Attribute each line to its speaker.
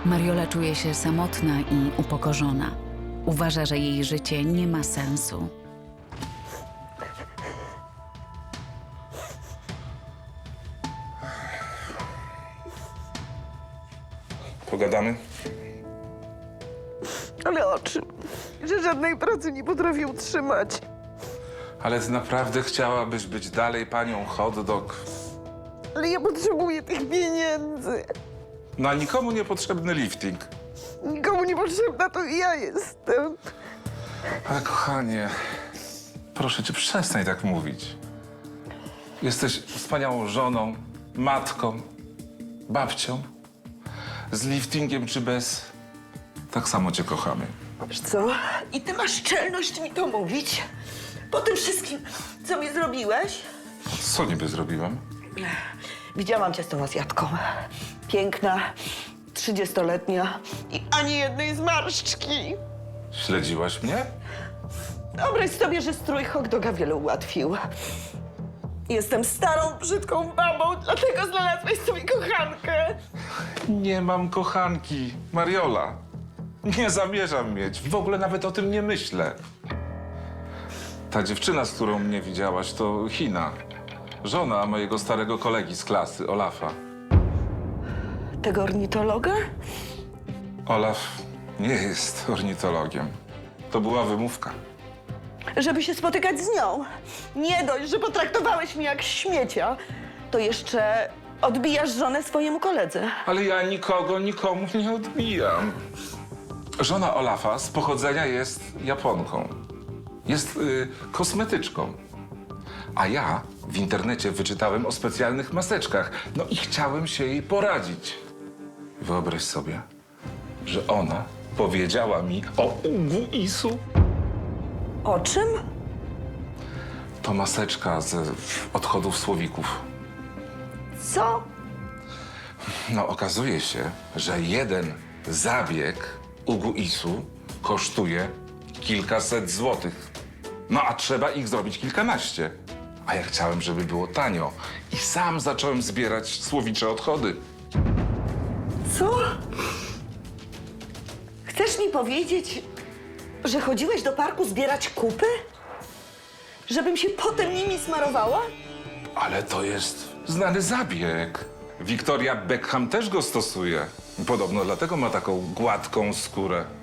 Speaker 1: Mariola czuje się samotna i upokorzona. Uważa, że jej życie nie ma sensu.
Speaker 2: Pogadamy?
Speaker 3: Ale o czym? Że żadnej pracy nie potrafię utrzymać.
Speaker 2: Ale ty naprawdę chciałabyś być dalej panią hot dog?
Speaker 3: Ale ja potrzebuję tych pieniędzy.
Speaker 2: Na nikomu niepotrzebny lifting.
Speaker 3: Nikomu nie potrzebna to ja jestem.
Speaker 2: Ale kochanie, proszę cię, przestań tak mówić. Jesteś wspaniałą żoną, matką, babcią. Z liftingiem czy bez, tak samo cię kochamy.
Speaker 3: Wiesz co? I ty masz czelność mi to mówić? Po tym wszystkim, co mi zrobiłeś?
Speaker 2: Co niby zrobiłem?
Speaker 3: Widziałam cię z tą Azjatką. Piękna, 30-letnia i ani jednej zmarszczki.
Speaker 2: Śledziłaś mnie?
Speaker 3: Wyobraź sobie, że strój hot doga wiele ułatwił. Jestem starą, brzydką babą, dlatego znalazłeś sobie kochankę.
Speaker 2: Nie mam kochanki, Mariola. Nie zamierzam mieć. W ogóle nawet o tym nie myślę. Ta dziewczyna, z którą mnie widziałaś, to Hina. Żona mojego starego kolegi z klasy, Olafa.
Speaker 3: Tego ornitologa?
Speaker 2: Olaf nie jest ornitologiem. To była wymówka.
Speaker 3: Żeby się spotykać z nią. Nie dość, że potraktowałeś mnie jak śmiecia, to jeszcze odbijasz żonę swojemu koledze.
Speaker 2: Ale ja nikomu nie odbijam. Żona Olafa z pochodzenia jest Japonką. Jest kosmetyczką. A ja w internecie wyczytałem o specjalnych maseczkach. No i chciałem się jej poradzić. Wyobraź sobie, że ona powiedziała mi o Uguisu.
Speaker 3: O czym?
Speaker 2: To maseczka z odchodów słowików.
Speaker 3: Co?
Speaker 2: No okazuje się, że jeden zabieg Uguisu kosztuje kilkaset złotych. No a trzeba ich zrobić kilkanaście. A ja chciałem, żeby było tanio. I sam zacząłem zbierać słowicze odchody.
Speaker 3: Co? Chcesz mi powiedzieć, że chodziłeś do parku zbierać kupy? Żebym się potem nimi smarowała?
Speaker 2: Ale to jest znany zabieg. Victoria Beckham też go stosuje. Podobno dlatego ma taką gładką skórę.